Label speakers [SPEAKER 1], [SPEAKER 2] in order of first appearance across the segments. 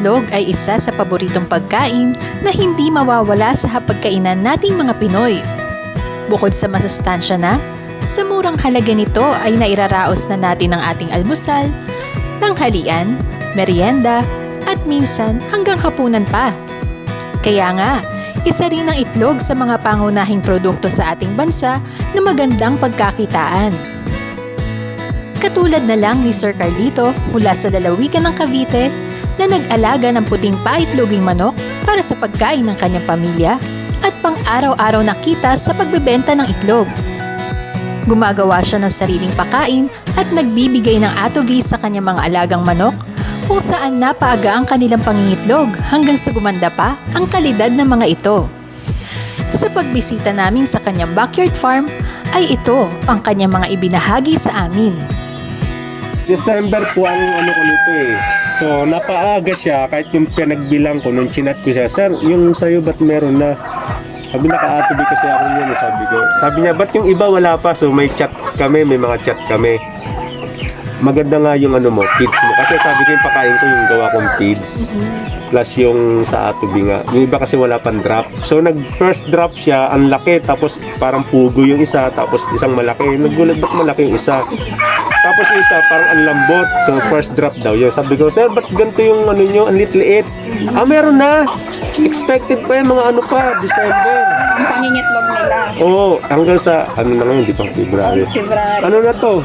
[SPEAKER 1] itlog ay isa sa paboritong pagkain na hindi mawawala sa hapagkainan nating mga Pinoy. Bukod sa masustansya na, sa murang halaga nito ay nairaraos na natin ang ating almusal, tanghalian, merienda, at minsan hanggang hapunan pa. Kaya nga, isa rin ang itlog sa mga pangunahing produkto sa ating bansa na magandang pagkakitaan. Katulad na lang ni Sir Carlito mula sa lalawigan ng Cavite na nag-alaga ng puting paitloging manok para sa pagkain ng kanyang pamilya at pang-araw-araw na kita sa pagbebenta ng itlog. Gumagawa siya ng sariling pakain at nagbibigay ng atogi sa kanyang mga alagang manok kung saan napaaga ang kanilang pangingitlog hanggang sa gumanda pa ang kalidad ng mga ito. Sa pagbisita namin sa kanyang backyard farm ay ito ang kanyang mga ibinahagi sa amin.
[SPEAKER 2] December po ang ano ko nito eh. So napaaga siya kahit yung pinagbilang ko nung chinat ko siya. Sir, yung sa'yo ba't meron na? Sabi naka-atobi kasi ako yun, sabi ko. Sabi niya, ba't yung iba wala pa? So may chat kami, may mga chat kami. Maganda nga yung ano mo, feeds mo. Kasi sabi ko yung pakain ko yung gawa kong feeds. Plus yung sa atobi nga. Yung iba kasi wala pang drop. So nag-first drop siya, ang laki. Tapos parang pugo yung isa, tapos isang malaki. Nagulat ba't malaki yung isa? Tapos yung isa parang ang lambot. So first drop daw yun. Sabi ko, sir, ba't ganito yung ano nyo? Ang liit-liit. Meron na. Expected pa yung mga ano pa, December.
[SPEAKER 3] Ang pangingitlog nila.
[SPEAKER 2] Oo, hanggang sa, ano na ngayon, di pang February.
[SPEAKER 3] February.
[SPEAKER 2] Ano na to?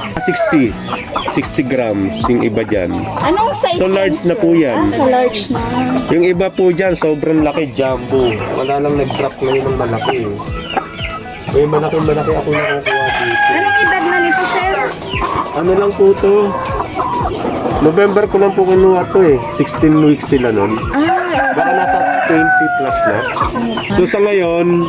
[SPEAKER 2] 60 grams yung iba dyan.
[SPEAKER 3] Anong size?
[SPEAKER 2] So large na po yan.
[SPEAKER 3] Sa large na.
[SPEAKER 2] Yung iba po dyan, sobrang laki, jumbo. Wala lang nag-drop ngayon ng malaki. May malaki ako nakukuha dito.
[SPEAKER 3] Anong edad na nito, sir?
[SPEAKER 2] Ano lang po to? November ko lang po kinuha to eh. 16 weeks sila nun. Baka nasa 20 plus na. So sa ngayon,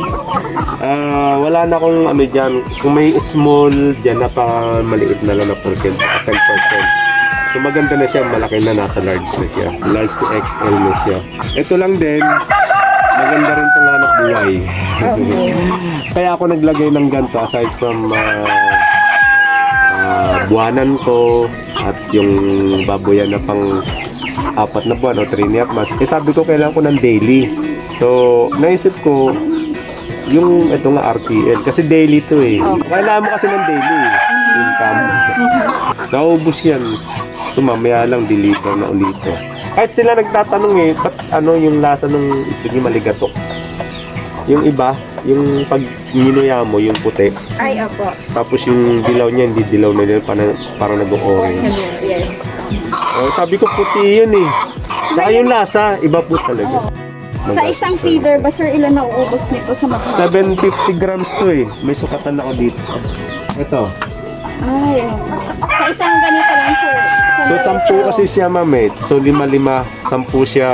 [SPEAKER 2] wala na akong ano dyan. Kung may small dyan na pa maliit na lang na percent, 10%. So maganda na siya, malaki na, nasa large na siya. Large to XL na siya. Ito lang din, maganda rin itong anak buhay. Kaya ako naglagay ng ganito aside from buwanan ko at yung baboyan na pang 4 na buwan o 3.5 months. Sabi ko kailangan ko ng daily. So naisip ko yung ito nga RTL kasi daily to eh. Kailangan mo kasi ng daily income. Naubos yan. So mamaya lang deliver na ulit. Kahit sila nagtatanong eh, ba't ano yung lasa ng itlog yung maligatok? Yung iba, yung pag minuya mo, yung puti.
[SPEAKER 3] Ay, opo.
[SPEAKER 2] Tapos yung dilaw niya, hindi dilaw na din, parang nag-orange.
[SPEAKER 3] Yes.
[SPEAKER 2] Sabi ko puti yun eh. Saka yung lasa, iba po talaga.
[SPEAKER 3] Sa isang feeder ba, sir, ilan nauubos nito sa mga?
[SPEAKER 2] 750 grams to eh. May sukatan ako dito. Ito.
[SPEAKER 3] Ay, sa isang ganito lang, sir.
[SPEAKER 2] So 10 kasi siya ma'am eh. So 5-5, 10 siya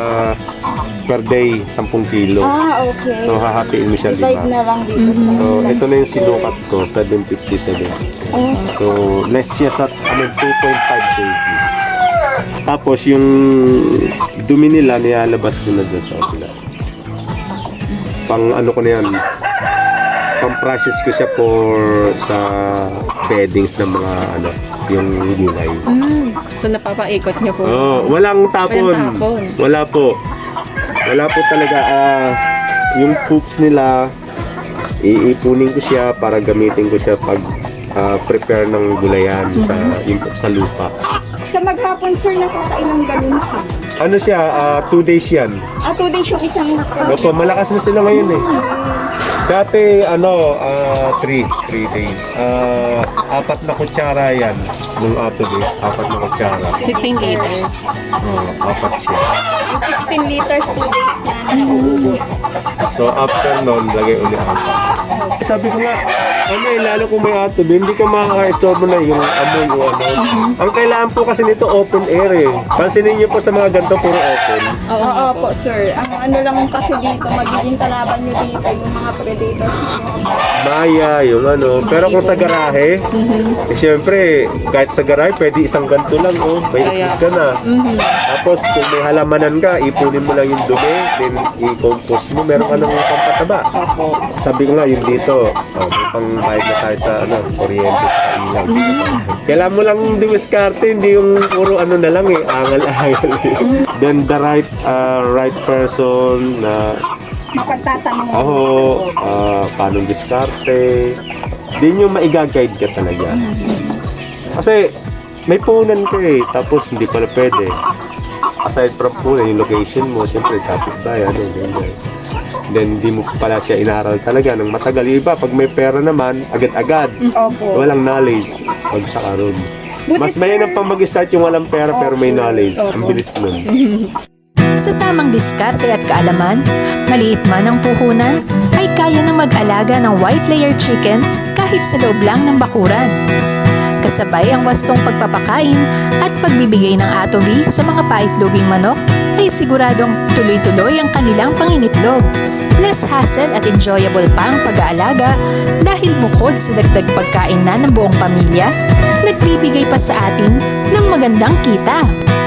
[SPEAKER 2] per day, 10 kilo.
[SPEAKER 3] Okay.
[SPEAKER 2] So hahatiin mo siya
[SPEAKER 3] Divide
[SPEAKER 2] 5.
[SPEAKER 3] na lang dito sa
[SPEAKER 2] So ito na yung sinukat ko, 757. So less siya sa 2.5 kg. Tapos yung dumi nila nilalabas ko na dyan sa kabila. Pang ano ko na yan, pang process ko siya for sa beddings ng mga ano, yung gulay.
[SPEAKER 4] So napapaikot niyo po?
[SPEAKER 2] Walang tapon.
[SPEAKER 4] Walang tapon.
[SPEAKER 2] Wala po. Wala po talaga. Yung poops nila, iipunin ko siya para gamitin ko siya pag prepare ng gulayan sa lupa.
[SPEAKER 3] Sa maghapon, sir, nakakailang galon, sir?
[SPEAKER 2] Ano siya, 2 days yan.
[SPEAKER 3] 2 days yung isang
[SPEAKER 2] Opo, malakas na sila ngayon eh. Dati, 3 days. 4 na kutsara yan. Nung ato eh, 4 na kutsara.
[SPEAKER 4] 16 liters.
[SPEAKER 2] 4 siya.
[SPEAKER 3] 16 liters, 2 days na nauubos.
[SPEAKER 2] So after nun, lagay ulit ako. Sabi ko nga, lalo kung may ato, hindi ka makaka-store na yung amoy o ano. Ang kailangan po kasi nito open air eh. Pansinin niyo po sa mga ganito, puro open.
[SPEAKER 3] Oo po, sir. Ang ano lang kasi dito, magiging kalaban nyo dito yung mga predators.
[SPEAKER 2] Maya, yung ano. Pero kung sa garahe, siyempre, kahit sa garahe, pwede isang ganito lang, oh. May ikot ka na. Tapos, kung may halamanan ka, ipunin mo lang yung dumi, then i-compost mo, meron ka ng pampataba. Sabi ko nga, yung dito, may pang bayad na tayo sa, kuryente. lang. Kailangan mo lang dumiskarte, hindi yung puro ano na lang angal-angal. Then the right person na
[SPEAKER 3] Mapagtatanong.
[SPEAKER 2] paano diskarte. Din yung maiga-guide ka talaga. Kasi may punan ka tapos hindi pala pwede. Aside from punan, yung location mo, siyempre tapos bayan, ganyan. Then hindi mo pala siya inaral talaga ng matagal. Yung iba, pag may pera naman, agad-agad.
[SPEAKER 3] Opo.
[SPEAKER 2] Walang knowledge. Pag sa karon. Mas mainam pa mag-start yung walang pera pero may knowledge. Ang bilis nun.
[SPEAKER 1] Sa tamang diskarte at kaalaman, maliit man ang puhunan, ay kaya na mag-alaga ng white layer chicken kahit sa loob lang ng bakuran. Kasabay ang wastong pagpapakain at pagbibigay ng atovi sa mga paitloging manok, ay siguradong tuloy-tuloy ang kanilang pangingitlog. Less hassle at enjoyable pa ang pag-aalaga dahil bukod sa dagdag pagkain na ng buong pamilya, nagbibigay pa sa atin ng magandang kita.